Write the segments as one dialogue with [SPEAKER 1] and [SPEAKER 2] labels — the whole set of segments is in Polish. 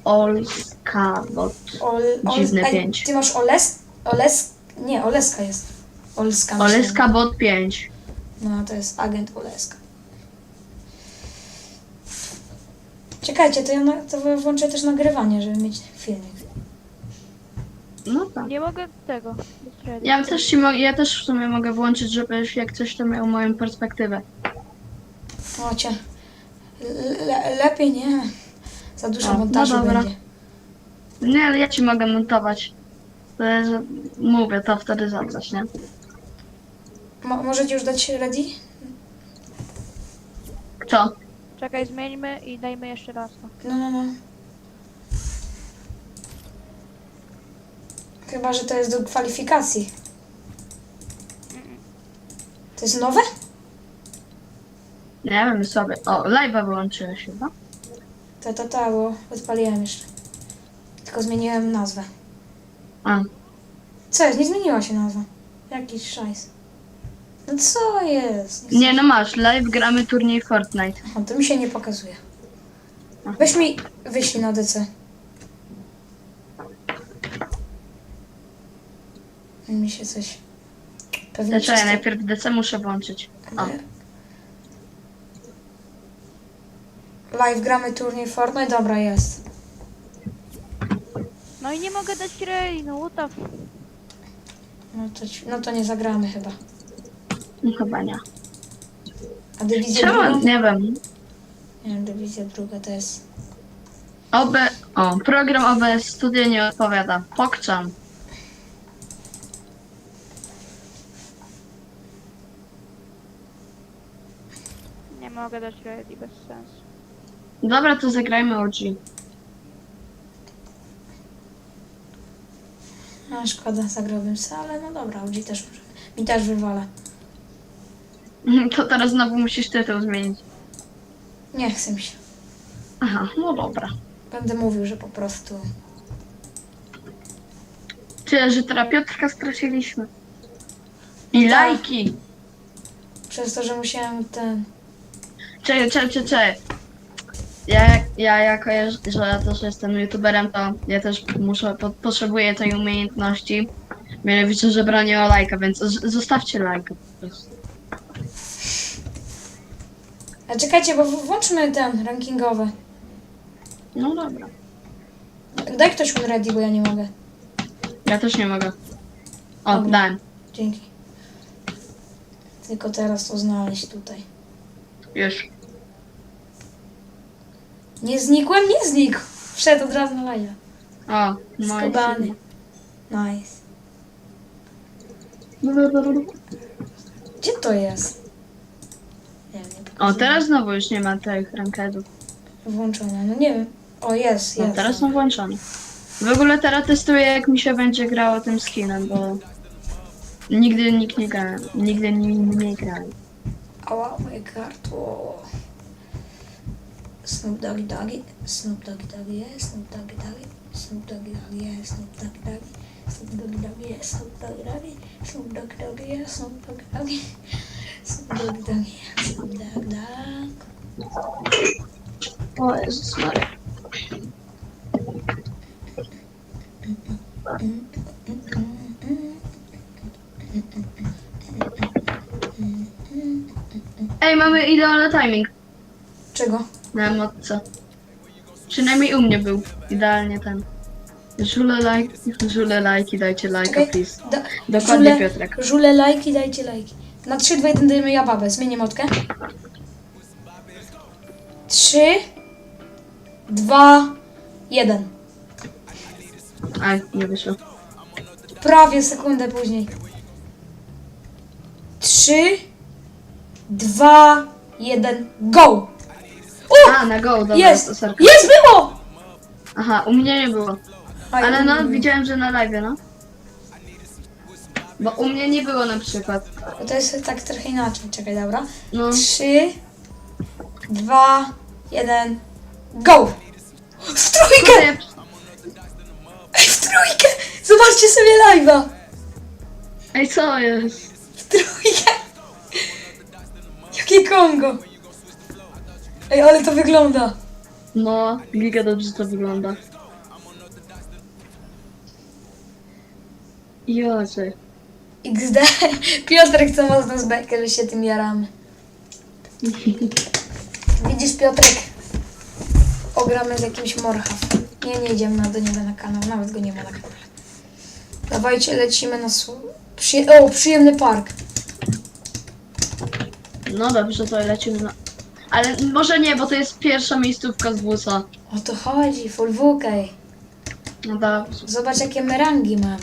[SPEAKER 1] Olska, bo dziwne 5.
[SPEAKER 2] Ty masz nie, Oleska jest. Olska.
[SPEAKER 1] Oleska bot 5.
[SPEAKER 2] No, to jest agent Oleska. Czekajcie, to włączę też nagrywanie, żeby mieć filmik.
[SPEAKER 1] No tak.
[SPEAKER 3] Nie mogę tego.
[SPEAKER 1] Ja też w sumie mogę włączyć, żebyś jak coś to miał moją perspektywę.
[SPEAKER 2] Ocie. Lepiej nie. Za dużo
[SPEAKER 1] O,
[SPEAKER 2] montażu
[SPEAKER 1] no dobra.
[SPEAKER 2] będzie.
[SPEAKER 1] Nie, ale ja ci mogę montować. To jest, mówię to wtedy za coś, nie?
[SPEAKER 2] Możecie już dać ready?
[SPEAKER 1] Co?
[SPEAKER 3] Czekaj, zmieńmy i dajmy jeszcze raz.
[SPEAKER 2] No. Chyba, że to jest do kwalifikacji. To jest nowe?
[SPEAKER 1] Nie wiem sobie. O, live'a wyłączyłeś chyba?
[SPEAKER 2] Bo odpaliłem jeszcze. Tylko zmieniłem nazwę.
[SPEAKER 1] A.
[SPEAKER 2] Co jest? Nie zmieniła się nazwa. Jakiś szajs. No co jest?
[SPEAKER 1] Nie, no masz, live gramy turniej Fortnite.
[SPEAKER 2] O, to mi się nie pokazuje. Weź mi wyślij na DC. Mi się coś... Pewnie
[SPEAKER 1] Dlaczego ja
[SPEAKER 2] przez to-
[SPEAKER 1] najpierw DC muszę włączyć? O.
[SPEAKER 2] Live gramy turniej Fortnite? Dobra, jest.
[SPEAKER 3] No i nie mogę dać reli, no what the f...
[SPEAKER 2] No to nie zagramy chyba.
[SPEAKER 1] No chyba nie.
[SPEAKER 2] A dywizja
[SPEAKER 1] Czemu?
[SPEAKER 2] druga?
[SPEAKER 1] Nie wiem.
[SPEAKER 2] Nie wiem, dywizja druga to jest...
[SPEAKER 1] Program OBS Studio nie odpowiada. Pokczam.
[SPEAKER 3] Nie mogę dać reli, bez sensu.
[SPEAKER 1] Dobra, to zagrajmy OG.
[SPEAKER 2] No szkoda, zagrałbym se, ale no dobra, OG też może. Mi też wywala.
[SPEAKER 1] To teraz znowu musisz tytuł zmienić.
[SPEAKER 2] Nie chcę mi się.
[SPEAKER 1] Aha, no dobra.
[SPEAKER 2] Będę mówił, że po prostu...
[SPEAKER 1] Tyle, że teraz Piotrka straciliśmy. I
[SPEAKER 2] Tak.
[SPEAKER 1] lajki.
[SPEAKER 2] Przez to, że musiałem ten...
[SPEAKER 1] Czekaj. Ja jako, że ja też jestem youtuberem, to ja też potrzebuję tej umiejętności. Mianowicie, że bronię o lajka, więc zostawcie lajka po prostu.
[SPEAKER 2] A czekajcie, bo włączmy ten rankingowy.
[SPEAKER 1] No dobra.
[SPEAKER 2] Daj ktoś ready, bo ja nie mogę.
[SPEAKER 1] Ja też nie mogę. O,
[SPEAKER 2] Dobra.
[SPEAKER 1] dałem.
[SPEAKER 2] Dzięki. Tylko teraz to znaleźć tutaj.
[SPEAKER 1] Już.
[SPEAKER 2] Nie znikłem? Nie znikł. Wszedł od razu na live.
[SPEAKER 1] O, no i
[SPEAKER 2] Skubany. Nice. Gdzie to jest? Nie wiem, nie
[SPEAKER 1] O,
[SPEAKER 2] pokazuję.
[SPEAKER 1] teraz znowu już nie ma tych rankedów.
[SPEAKER 2] Włączone, no nie wiem. O, jest.
[SPEAKER 1] No, teraz są włączone. W ogóle teraz testuję, jak mi się będzie grało tym skinem, bo nigdy nikt nie gra. Nigdy nie grałem.
[SPEAKER 2] Ała, moje gardło. Snoop Doggy Doggy, Snoop Doggy Doggy jest, Snoop Doggy Doggy, Snoop Doggy Doggy jest, Snoop Doggy Doggy, Snoop Doggy Doggy jest, Snoop Doggy Doggy, Snoop Doggy Doggy jest, Snoop Doggy Doggy, Snoop Doggy Doggy jest, Snoop Doggy Dogg.
[SPEAKER 1] O Jezus Maria. Ej, mamy idealny timing
[SPEAKER 2] Czego?
[SPEAKER 1] na emotce. Przynajmniej u mnie był idealnie ten. Żule lajki, dajcie lajka,
[SPEAKER 2] Czekaj,
[SPEAKER 1] please. Dokładnie, Piotrek.
[SPEAKER 2] Żule lajki, dajcie lajki. Na 3, 2, 1 dajemy ja babę, zmienię motkę. 3, 2, 1.
[SPEAKER 1] Aj, nie wyszło.
[SPEAKER 2] Prawie sekundę później. 3, 2, 1, go!
[SPEAKER 1] A, na go, dobra,
[SPEAKER 2] Jest!
[SPEAKER 1] to sorka.
[SPEAKER 2] Jest, było!
[SPEAKER 1] Aha, u mnie nie było.
[SPEAKER 2] Aj,
[SPEAKER 1] Ale no,
[SPEAKER 2] nie.
[SPEAKER 1] widziałem, że na live, no. Bo u mnie nie było na przykład.
[SPEAKER 2] To jest tak trochę inaczej, czekaj, dobra.
[SPEAKER 1] No,
[SPEAKER 2] 3, 2, 1, go! W trójkę! Ej, w trójkę! Zobaczcie sobie live'a!
[SPEAKER 1] Ej, co jest?
[SPEAKER 2] W trójkę! Jakie Kongo! Ej, ale to wygląda!
[SPEAKER 1] No, giga dobrze to wygląda. Jocie.
[SPEAKER 2] XD. Piotrek co mocno z bekę, że się tym jaramy. Widzisz, Piotrek? Ogramy z jakimś morchaw. Nie idziemy do niego na kanał, nawet go nie ma na kanale. Dawajcie, lecimy na przyjemny park.
[SPEAKER 1] No dobrze, to lecimy na... Ale może nie, bo to jest pierwsza miejscówka z WUSA.
[SPEAKER 2] O to chodzi, full WK.
[SPEAKER 1] No dobrze.
[SPEAKER 2] Zobacz jakie my rangi mamy.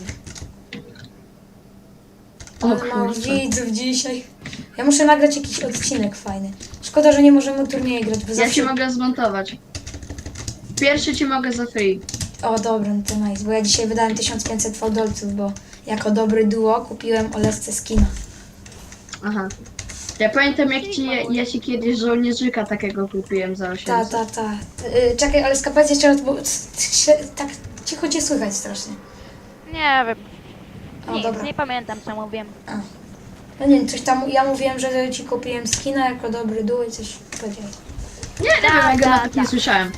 [SPEAKER 1] O
[SPEAKER 2] Ale mam
[SPEAKER 1] kurczę.
[SPEAKER 2] widzów dzisiaj. Ja muszę nagrać jakiś odcinek fajny. Szkoda, że nie możemy turnieje grać, bo
[SPEAKER 1] Ja
[SPEAKER 2] zawsze...
[SPEAKER 1] ci mogę zmontować. Pierwszy ci mogę za free.
[SPEAKER 2] O dobra, no to nice, bo ja dzisiaj wydałem 1500 fałdolców, bo jako dobry duo kupiłem Olesce skina.
[SPEAKER 1] Aha. Ja pamiętam jak ja ci kiedyś żołnierzyka takiego kupiłem za 800.
[SPEAKER 2] Ta. Czekaj, Oleska, powiedz jeszcze raz, bo tak cicho cię słychać strasznie.
[SPEAKER 3] Nie wiem.
[SPEAKER 2] O,
[SPEAKER 3] Nic,
[SPEAKER 2] dobra.
[SPEAKER 3] nie pamiętam co mówiłem.
[SPEAKER 2] No nie wiem, coś tam, ja mówiłem, że ci kupiłem skina jako dobry duo i coś powiedziałeś.
[SPEAKER 1] Nie wiem, ja go nawet nie słyszałem.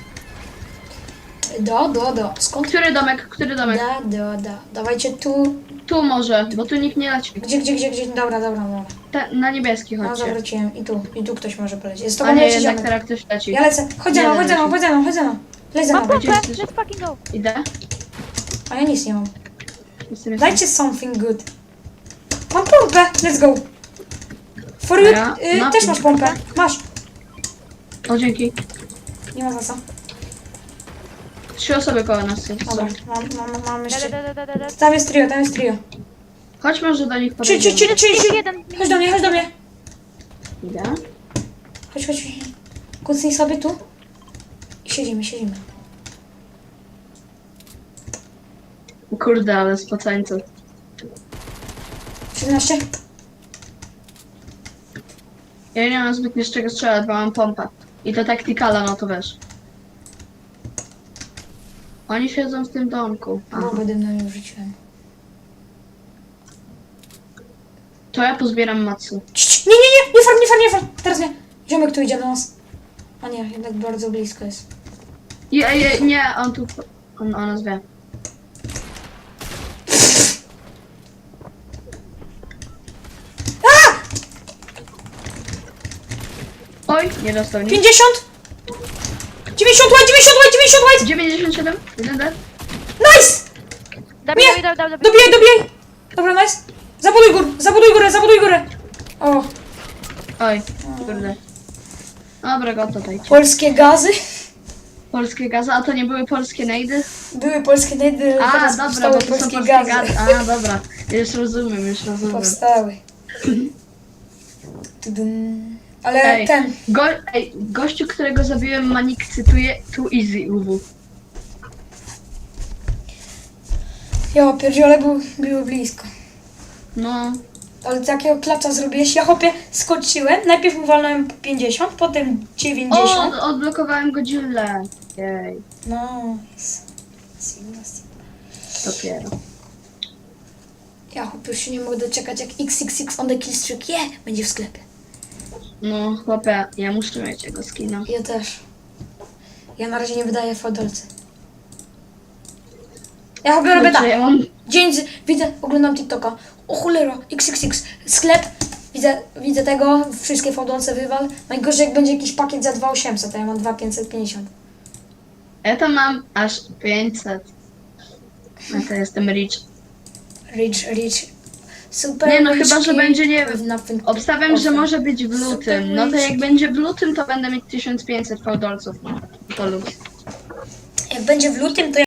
[SPEAKER 2] Skąd?
[SPEAKER 1] Który domek? Który domek?
[SPEAKER 2] Dawajcie tu.
[SPEAKER 1] Tu może, bo tu nikt nie leci.
[SPEAKER 2] Gdzie? Dobra.
[SPEAKER 1] Na niebieski
[SPEAKER 2] No
[SPEAKER 1] chodźcie.
[SPEAKER 2] zawróciłem i tu ktoś może polecieć. Jest to
[SPEAKER 1] A nie,
[SPEAKER 2] leci
[SPEAKER 1] jednak
[SPEAKER 2] ziomek.
[SPEAKER 1] teraz ktoś leci.
[SPEAKER 2] Ja lecę. Chodź za mną. Leć za
[SPEAKER 3] Mam
[SPEAKER 2] mną.
[SPEAKER 1] Gdzie
[SPEAKER 3] pompę!
[SPEAKER 1] jesteś?
[SPEAKER 3] Let's fucking go!
[SPEAKER 1] Idę.
[SPEAKER 2] A ja nic nie mam.
[SPEAKER 1] Jestem.
[SPEAKER 2] Dajcie something good. Mam pompę. Let's go. For you.
[SPEAKER 1] Ja mam
[SPEAKER 2] Też masz pompę. Masz.
[SPEAKER 1] O, dzięki.
[SPEAKER 2] Nie ma za co.
[SPEAKER 1] 3 osoby koło nas są.
[SPEAKER 2] Dobra, mam jeszcze.
[SPEAKER 3] Da.
[SPEAKER 2] Tam jest trio.
[SPEAKER 1] Chodź może do nich
[SPEAKER 2] Czy.
[SPEAKER 3] Jeden.
[SPEAKER 2] Chodź do mnie.
[SPEAKER 1] Idę.
[SPEAKER 2] Chodź. Kucnij sobie tu. I siedzimy.
[SPEAKER 1] Kurde, ale spocańców.
[SPEAKER 2] 17.
[SPEAKER 1] Ja nie mam zbytnio z czego strzelać, bo mam pompę. I to taktikala, no to wiesz. Oni siedzą w tym domku. Aha.
[SPEAKER 2] Bombę dymną już rzuciłem.
[SPEAKER 1] To ja pozbieram matsu.
[SPEAKER 2] Nie far. Teraz nie. Ziomek tu idzie do nas. A nie, jednak bardzo blisko jest.
[SPEAKER 1] Nie, on tu... On o nas wie. Oj, nie dostał nic.
[SPEAKER 2] 50! 90 white!
[SPEAKER 1] 97, 1 D.
[SPEAKER 2] Nice!
[SPEAKER 3] Dobijaj.
[SPEAKER 2] Dobijaj! Dobra, nice. Zabuduj górę! O,
[SPEAKER 1] Oj, kurde. Dobra, go tutaj.
[SPEAKER 2] polskie gazy.
[SPEAKER 1] Polskie gazy, a to nie były polskie nejdy?
[SPEAKER 2] Były polskie nejdy,
[SPEAKER 1] A,
[SPEAKER 2] teraz
[SPEAKER 1] dobra,
[SPEAKER 2] powstały
[SPEAKER 1] bo to są
[SPEAKER 2] polskie
[SPEAKER 1] polskie
[SPEAKER 2] gazy.
[SPEAKER 1] gazy. A, dobra. Już rozumiem.
[SPEAKER 2] Powstały. Tudum. Ale
[SPEAKER 1] Ej,
[SPEAKER 2] ten,
[SPEAKER 1] gościu, którego zabiłem, Manik cytuje too easy UW.
[SPEAKER 2] ja pierdziele było blisko.
[SPEAKER 1] No,
[SPEAKER 2] Ale takiego klacza zrobiłeś, ja chłopie skoczyłem, najpierw mu walnąłem 50, potem 90.
[SPEAKER 1] odblokowałem Godzillę. Jej,
[SPEAKER 2] No,
[SPEAKER 1] dopiero.
[SPEAKER 2] ja chłopie już się nie mogę doczekać, jak XXX on the killstreak, będzie w sklepie.
[SPEAKER 1] No, chłopie, ja muszę mieć jego skina.
[SPEAKER 2] Ja też. Ja na razie nie wydaję fodolcy. Ja chłopie robię tak.
[SPEAKER 1] Ja mam...
[SPEAKER 2] Widzę, oglądam TikToka. O cholera, XXX, sklep. Widzę tego, wszystkie fodolce wywal. Najgorzej jak będzie jakiś pakiet za 2800, a ja mam 2550.
[SPEAKER 1] Ja tam mam aż 500. A to jestem rich.
[SPEAKER 2] Rich. Super.
[SPEAKER 1] Nie no,
[SPEAKER 2] rich
[SPEAKER 1] chyba, że
[SPEAKER 2] kid
[SPEAKER 1] będzie, nie
[SPEAKER 2] with nothing to
[SPEAKER 1] obstawiam, że
[SPEAKER 2] offer.
[SPEAKER 1] może być w lutym. No to jak będzie w lutym, to będę mieć 1500 fałdolców. To luz.
[SPEAKER 2] Jak będzie w lutym, to